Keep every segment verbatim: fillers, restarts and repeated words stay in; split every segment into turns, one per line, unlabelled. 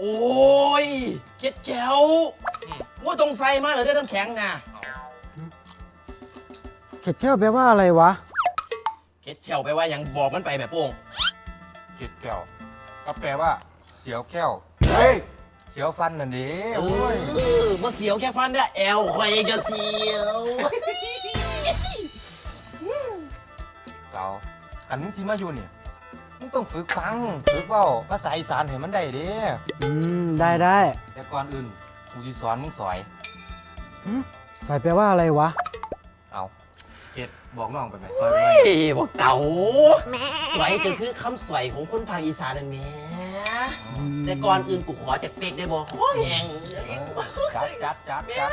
อ้ยเก็ดแก้วว่าตรงใส่มาเหรอได้น้ำแข็งนะ
เข็ดแก้วแปลว่าอะไรวะ
เก็ดแก้วแปลว่ายังบอกมันไปแบบโป้ง
เก็ดแก้วก็แปลว่าเสียวแก้วเฮ้ยเสียวฟันน่ะดิโอ้ย
เมื่อเสียวแค่ฟันได้แอลใครจะเสียว
เราอันมึงที่มาอยู่เนี่ยมึงต้องฝึกฟังฝึกเว้าภาษาอีสานให้มันได้เด้
อืมได้ได้
แต่ก่อนอื่นกูสิสอนมึงสอย
สอยแปลว่าอะไรวะ
เอาเอ็ดบอกน้องไปไหมสอยไป
บอกเก่าสวยก็คือคำสวยของคนภาคอีสานนั่นแหละแต่ก่อนอื่นกูขอจากเป็กได้บอกขอแหง
จัดจัดจัดจัด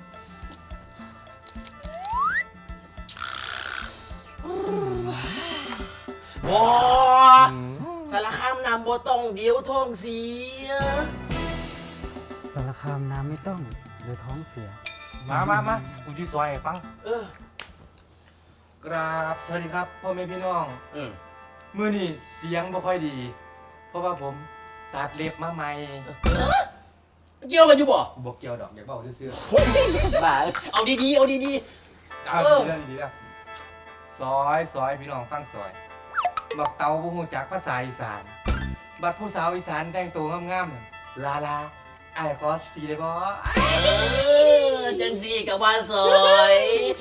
บอสารคามนำบ่ต้องเดียวท้องเสีย
สารคามน้ำไม่ต้องเดี๋ยวท้องเสีย
มามามากูจะซอยให้ฟัง
เออก
ราบสวัสดีครับพ่อแม่พี่น้อง
อืม
มื้อนี้เสียงบ่ค่อยดีเพราะว่าผมตัดเล็บมาใหม่
เกี่ยวกันอยู่บ่
บ่เกี่ยวดอกอยากบอกซื่อ
ๆบ้าเอาดีๆเอาดี
ๆเอาดีๆดีๆซอยซอยพี่น้องฟังซอยบักเตาบ่ฮู้จักภาษาอีสานบัดผู้สาวอีสานแต่งตัวงามๆลาลาไอ้ขอสีได้บ่
เออจังสีกับว่าซอย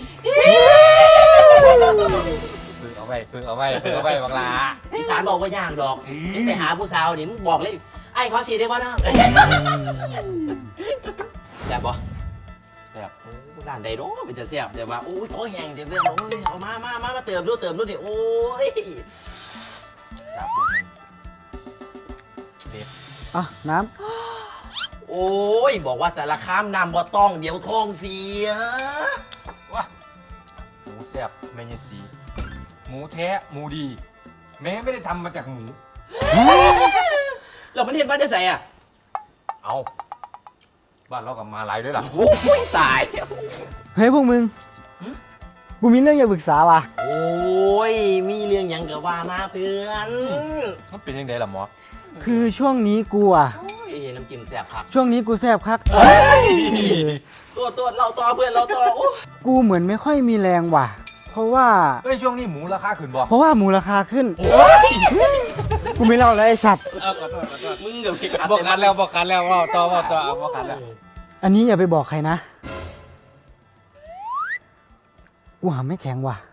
คือเอาไว้คือเอาไว้คือเอาไว้บักลา
อีสานบอกว่ายากดอกนี่ไปหาผู้สาวนี่มึงบอกเลยไอ้ขอสีได้บ่นะแซ่บบ่
แซ่บ
ร้านใดเนาะเป็นจะแซ่บเดี๋ยวว่าโอ้ยขอแห้งเดี๋ยวเพื่อนโอ้ยเอามามามามาเติมดูเติมดูดิโอ้ย
ครับผมเด็ด
อ่ะน้
ำโอ้ยบอกว่าสารคามนำบ่ต้องเดี๋ยวท้องเสีย
ว้าหมูแซ่บแม่ยายสีหมูแท้หมูดีแม่ไม่ได้ทำมาจากหมู
เรามันเห็นบ้านจะใส่อ่ะ
เอาบ้านเรากับมาหลายด้วยล่ะ
โอ้ยตาย
เฮ้ยพวกมึงกูมีเรื่องอยากปรึกษาว่ะ
โอ้ยมีเรื่องยังกับว่ามาเพื่อน
มันเป็นยังไงล่ะหมอ
คือช่วงนี้กูอ่ะ
น้ำจิ้มแซ่บคัก
ช่วงนี้กูแซ่บคัก
ตัวตัวเราต่อเพื่อนเราต่อ
กูเหมือนไม่ค่อยมีแรงว่ะเพราะว่า
เฮ้ยช่วงนี้หมูราคาขึ้นบ่
เพราะว่าหมูราคาขึ้นกูไม่เล่าแล้วไอ้สัตว์
มึงเดี๋ยว
บอกกันแล้วบอกกันแล้วว่าต่อว่าต่อบอกกันแล้ว
อันนี้อย่าไปบอกใครนะกูหาไม่แข็งว่ะ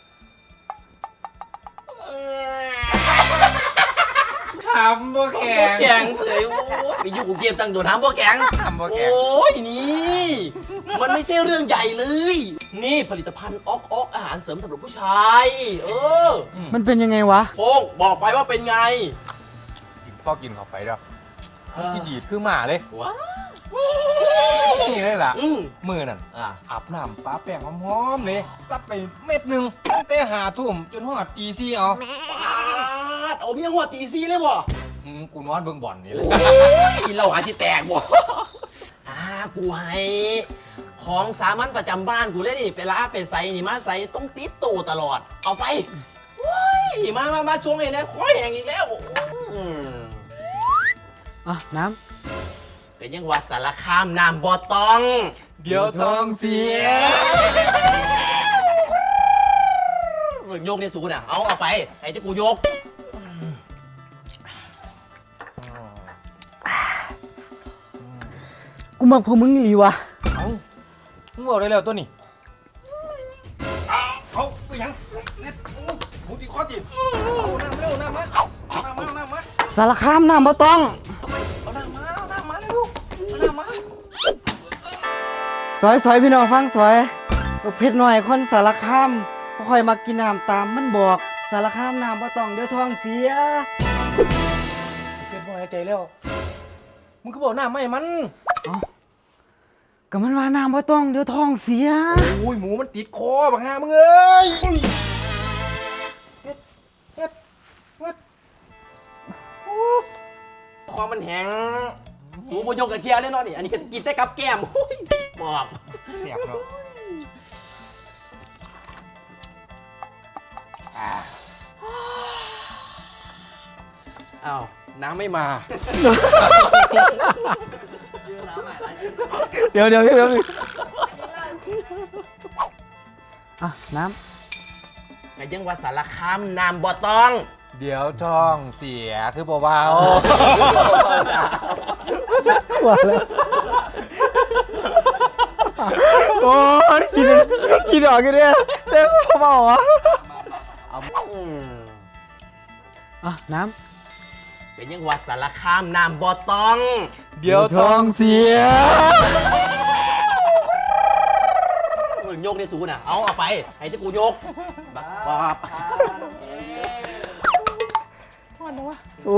ทำบ่แข็ง
แข็งเฉยโอ้ยไปอยู่กูเก็บตังค์โดนทำบ่แข็ง
ทำบ่แข็ง
โอ้ยนี่มันไม่ใช่เรื่องใหญ่เลยนี่ผลิตภัณฑ์ออกออกอาหารเสริมสำหรับผู้ชายเออ
มันเป็นยังไงวะ
โป้งบอกไปว่าเป็นไง
กินพ่อกินเข้าไปด้วยที่ดีดคือหมาเลย
ว้า
นี่เลยล่ะมือนั่นอาบน้ำป้าแป้งหอมๆเลยซับไปเม็ดหนึ่งตั้งแต่หาทุ่มจนหอดตีซี่เอา
ป้าดเอาเมียหัวตีซี่เลยบ่
กูนอนเบิ่งบ่อนนี่เลย
เราหาที่แตกบ่อ่ากูให้ของสามัญประจำบ้านกูเลยนี่ไปลาไปใส่นี่มาใส่ต้องติดตู้ตลอดเอาไปว้ยมามามาช่วงนี้นะขอแหงอีกแล้ว
อ่ะน้ำ
เป็นยังวัดสารคามน้ำบ่ต้อง
เดี๋ยวท้องเสีย
โยกในสูน่ะเอาเอาไปไอ้ที่กูโยก
กูมักพวกมึงดีวะ
เอามึงบอกได้แล้วตัวนี้เอาไปยังเนี่ยหูตีข้อจีบเอาน้ำเร็วน้ำมาเอาน้ำมาน้ำมา
สารคามน้ำบ่ต้อง
เอาน้ำมาเอาน้ำมาเร็วเอาน้ำมา
สอยสอยพี่น้องฟังสอยเพชรหน่อยคนสารคามก็คอยมากินน้ำตามมันบอกสารคามน้ำบ่ต้องเดี๋ยวท้องเสีย
เพชรบ่หายใจแล้วมึงก็บอกน้ำไม่มัน
ก็มันว่าน้ำบ่ต้องเดี๋ยวท้องเสีย
โอ้ยหมูมันติดคอบังฮามึงเอ้ยเฮ็ดเฮ็ดเฮ็ด
ความมันแห้งสูบโยกกระเทียมเลยเนาะนี่อันนี้ก็กินได้กับแก้มบอก
เสียบเนาะ
อ้าว
น้ำไม่มา
เดี๋ยวเดี๋ยวเดี๋ยวอ่ะน้
ก็ยังว่าสารคามน้ำบ่ต้อง
เดี๋ยวท้องเสียคือเบา
ำว่าแล้วโอ้ยกินกินออกกันเนี่ยเต็มเปล่าวะ
อืม
อ่ะน้
ก็ยังว่าสารคามน้ำบ่ต้อง
ำ
ๆเดี๋ยวท้อง
เสีย
มึงโยกได้สูน่ะเอาเอาไปไอ้ที่กูโยกบักบับ